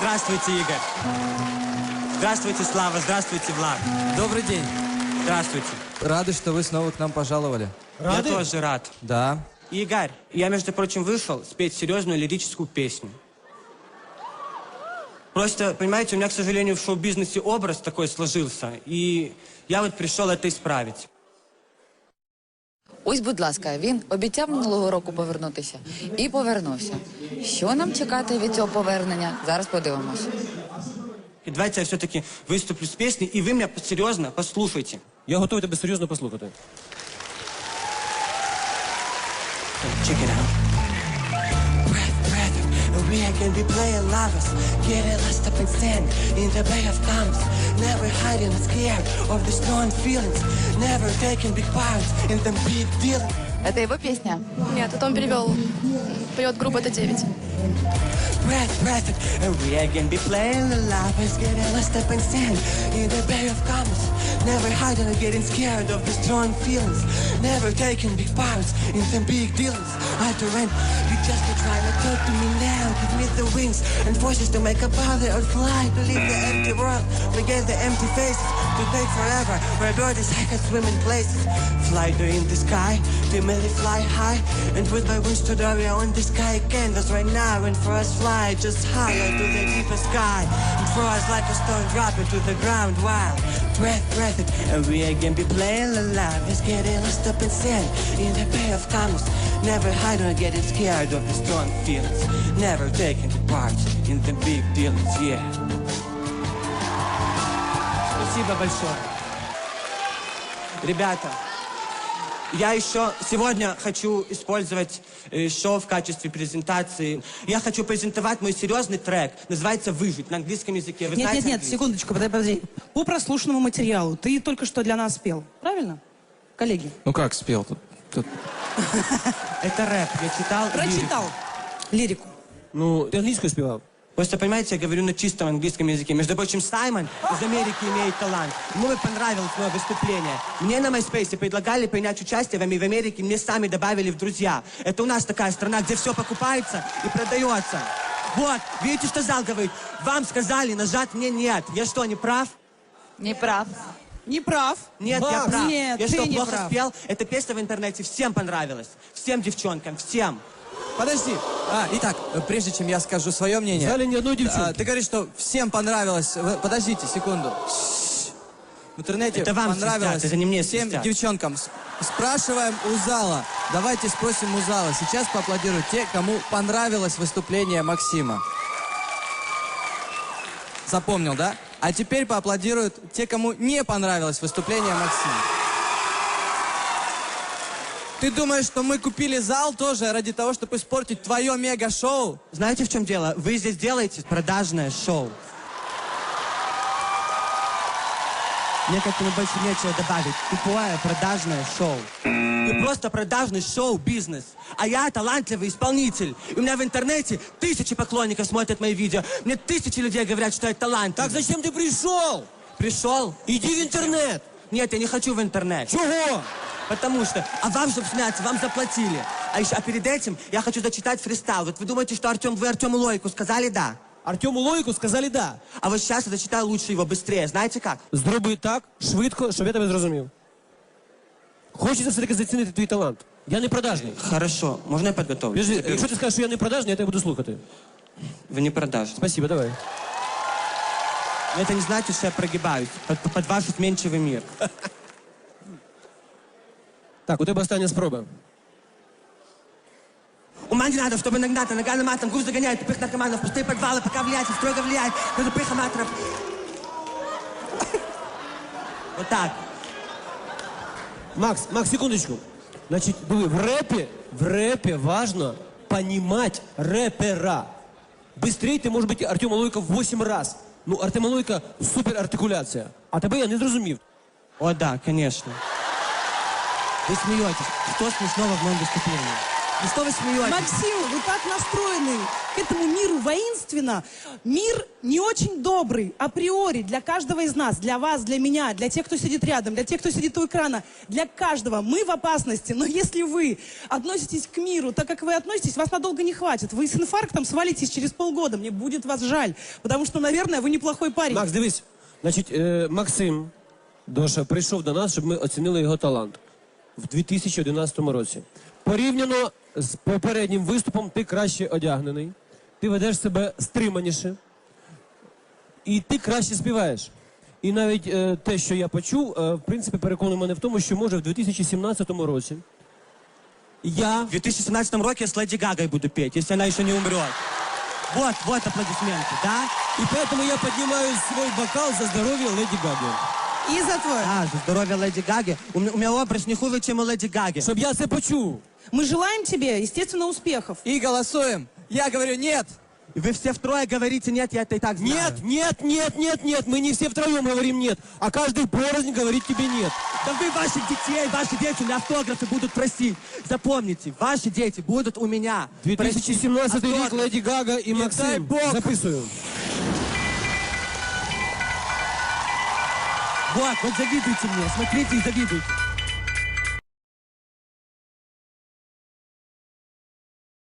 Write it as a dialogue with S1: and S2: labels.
S1: Здравствуйте, Игорь. Здравствуйте, Слава. Здравствуйте, Влад.
S2: Добрый день.
S1: Здравствуйте.
S2: Рады, что вы снова к нам пожаловали.
S1: Рады? Я тоже рад.
S2: Да.
S1: Игорь, я, между прочим, вышел спеть серьезную лирическую песню. Просто, понимаете, у меня, к сожалению, в шоу-бизнесе образ такой сложился, и я вот пришел это исправить.
S3: Ось, будь ласка, він обіцяв минулого року повернутися і повернувся. Що нам чекати від цього повернення? Зараз подивимось.
S1: И давайте я все-таки выступлю с песней, и вы меня серьезно послушайте.
S4: Я готовий тебе серйозно послухати.
S1: Check it out. We can be playing lovers, getting lost up in sand in the bay of thumbs, never hiding and scared of the strong feelings, never taking big parts in them big deals.
S3: Это его песня?
S5: Нет, это он перевел. Поет группа «Т9».
S1: Breath, and we can be playing the lovers, getting lost up in sand in the bay of thumbs, never hiding and getting scared of the strong feelings, never taking big parts in them big deals. I to rent, you just be trying to talk to me now, give me the wings and forces to make a bother or fly, to leave the empty world, forget the empty faces, to take forever, where birds I can swim in places, fly to in the sky, to merely fly high, and with my wings to the on the sky canvas right now, and for us fly just higher to the deeper sky, and for us like a stone drop into the ground while breath, and we again be playing the love, is getting lost up in sand in the bay of thumbs, never hiding or getting scared of the strong feelings, never taking the part in the big dealings, yeah. Спасибо большое. Ребята, я еще сегодня хочу использовать шоу в качестве презентации. Я хочу презентовать мой серьезный трек. Называется «Выжить» на английском языке. Вы знаете
S6: Нет,
S1: английский?
S6: секундочку, подожди. По прослушанному материалу ты только что для нас спел, правильно? Коллеги.
S2: Ну как спел тут?
S1: Это рэп. Я читал
S6: Прочитал лирику.
S4: Ну, ти англійською співав?
S1: Просто, понимаете, я говорю на чистом английском языке. Между прочим, Саймон из Америки имеет талант. Ему бы понравилось мое выступление. Мне на MySpace предлагали принять участие в Америке, мне сами добавили в друзья. Это у нас такая страна, где все покупается и продается. Вот, видите, что зал говорит? Вам сказали, нажать мне нет. Я что, не прав?
S3: Не прав.
S6: Не прав.
S1: Нет, я прав.
S6: Нет,
S1: я
S6: ты
S1: что,
S6: не
S1: плохо
S6: прав.
S1: спел? Эта песня в интернете всем понравилась. Всем девчонкам, всем.
S2: Подожди. Итак, прежде чем я скажу свое мнение...
S4: В зале ни одной девчонки.
S2: Ты говоришь, что всем понравилось... Подождите секунду. В интернете
S1: Это вам
S2: понравилось
S1: свистят, это не мне
S2: всем
S1: свистят.
S2: девчонкам. Спрашиваем у зала. Давайте спросим у зала. Сейчас поаплодируют те, кому понравилось выступление Максима. Запомнил, да? А теперь поаплодируют те, кому не понравилось выступление Максима. Ты думаешь, что мы купили зал тоже ради того, чтобы испортить твое мега-шоу?
S1: Знаете, в чем дело? Вы здесь делаете продажное шоу. Мне к этому больше нечего добавить. Тупое продажное шоу. Вы просто продажный шоу-бизнес. А я талантливый исполнитель. И у меня в интернете 1000 поклонников смотрят мои видео. Мне 1000 людей говорят, что я талант.
S4: Так зачем ты пришел?
S1: Пришел?
S4: Иди в интернет.
S1: Нет, я не хочу в интернет.
S4: Чего?
S1: Потому что, вам, чтобы сняться, вам заплатили. А перед этим я хочу зачитать фристайл. Вот вы думаете, что вы Артему Лойку сказали «да»?
S4: Артему Лойку сказали «да».
S1: А вот сейчас я зачитаю лучше его, быстрее. Знаете как?
S4: Зроби так, швидко, щоб я тебе зрозумів. Хочеться все-таки зацінити твій талант. Я не продажний.
S1: Хорошо, можно я подготовлюсь?
S4: Подожди, якщо ти скажеш, що я не продажний, я тебе буду слухати.
S1: Вы не продажный.
S4: Спасибо, давай.
S1: Но это не значит, что я прогибаюсь под ваш изменчивый мир.
S4: Так, у тебе остання спроба.
S1: Ума не надо, чтобы нагнаться, нога на матом, груз загоняет, тупых наркоманов, пустые подвалы, пока влияет, строго влияет на тупых аматоров. Вот так.
S4: Макс, секундочку. Значить, диви, в рэпе важно понимать рэпера. Быстрее ти може бути Артема Лойка в 8 раз. Ну, Артема Лойка супер артикуляція. А тебе я не зрозумів.
S1: О, да, конечно. Вы смеетесь. Что смешного в моем выступлении? Ну что вы смеетесь?
S6: Максим, вы так настроены к этому миру воинственно. Мир не очень добрый априори для каждого из нас, для вас, для меня, для тех, кто сидит рядом, для тех, кто сидит у экрана, для каждого. Мы в опасности, но если вы относитесь к миру так, как вы относитесь, вас надолго не хватит. Вы с инфарктом свалитесь через полгода, мне будет вас жаль, потому что, наверное, вы неплохой парень.
S4: Макс, дивись. Значить, Максим Доша прийшов до нас, щоб ми оцінили його талант в 2011 році. Порівняно з попереднім виступом ти краще одягнений, ти ведеш себе стриманіше і ти краще співаєш. І навіть те, що я почув, в принципі, переконує мене в тому, що може в 2017 році я...
S1: В 2017 роке я с Леди Гагой буду петь, если она еще не умрет. Вот аплодисменты, да?
S4: И поэтому я поднимаю свой бокал за здоровье Леди Гаги.
S6: И за твой.
S1: За здоровье Леди Гаги. У меня образ не хуже, чем у Леди Гаги.
S4: Щоб я це почув.
S6: Мы желаем тебе, естественно, успехов.
S2: И голосуем. Я говорю нет.
S1: И вы все втрое говорите нет, я это и так знаю.
S4: Нет, мы не все втроем говорим нет, а каждый порознь говорит тебе нет.
S1: Да вы ваших детей, ваши дети на автографы будут просить. Запомните, ваши дети будут у меня.
S4: 2017 рік,
S1: автограф.
S4: Леди Гага і
S1: дай
S4: Максим.
S1: Бог.
S4: Записую.
S1: Вот завидуйте мне, смотрите и завидуйте.